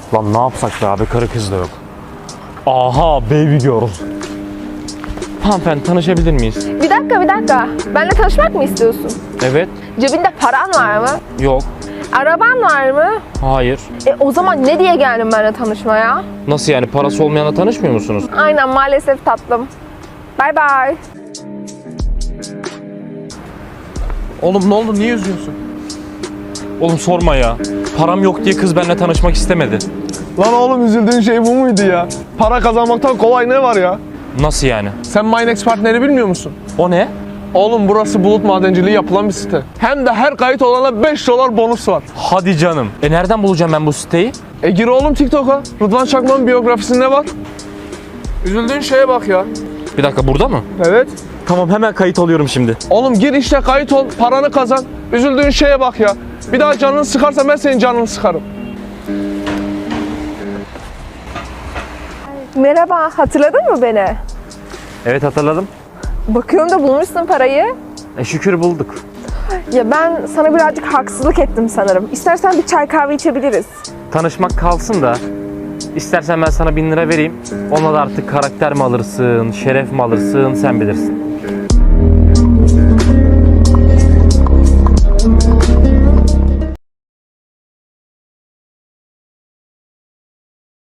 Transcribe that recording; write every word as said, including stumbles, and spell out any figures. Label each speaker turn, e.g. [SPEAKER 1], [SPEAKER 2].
[SPEAKER 1] Lan ne yapsak be abi, karı kız da yok. Aha, baby girl. Hanımefendi, tanışabilir miyiz?
[SPEAKER 2] Bir dakika bir dakika. Benimle tanışmak mı istiyorsun?
[SPEAKER 1] Evet.
[SPEAKER 2] Cebinde paran var mı?
[SPEAKER 1] Yok.
[SPEAKER 2] Araban var mı?
[SPEAKER 1] Hayır.
[SPEAKER 2] E o zaman ne diye geldin benimle tanışmaya?
[SPEAKER 1] Nasıl yani, parası olmayanla tanışmıyor musunuz?
[SPEAKER 2] Aynen, maalesef tatlım. Bye bye.
[SPEAKER 3] Oğlum ne oldu? Niye üzgünsün?
[SPEAKER 1] Oğlum sorma ya. Param yok diye kız benimle tanışmak istemedi.
[SPEAKER 3] Lan oğlum, üzüldüğün şey bu muydu ya? Para kazanmaktan kolay ne var ya?
[SPEAKER 1] Nasıl yani?
[SPEAKER 3] Sen Minex partneri bilmiyor musun?
[SPEAKER 1] O ne?
[SPEAKER 3] Oğlum burası bulut madenciliği yapılan bir site. Hem de her kayıt olana beş dolar bonus var.
[SPEAKER 1] Hadi canım. E nereden bulacağım ben bu siteyi?
[SPEAKER 3] E gir oğlum TikTok'a. Rıdvan Çakmak'ın biyografisinde var. Üzüldüğün şeye bak ya.
[SPEAKER 1] Bir dakika, burada mı?
[SPEAKER 3] Evet.
[SPEAKER 1] Tamam, hemen kayıt alıyorum şimdi.
[SPEAKER 3] Oğlum gir işte, kayıt ol, paranı kazan. Üzüldüğün şeye bak ya. Bir daha canını sıkarsa ben senin canını sıkarım.
[SPEAKER 2] Merhaba, hatırladın mı beni?
[SPEAKER 1] Evet, hatırladım.
[SPEAKER 2] Bakıyorum da bulmuşsun parayı.
[SPEAKER 1] E şükür bulduk.
[SPEAKER 2] Ya ben sana birazcık haksızlık ettim sanırım. İstersen bir çay kahve içebiliriz.
[SPEAKER 1] Tanışmak kalsın da, istersen ben sana bin lira vereyim. Onunla da artık karakter mi alırsın, şeref mi alırsın, sen bilirsin.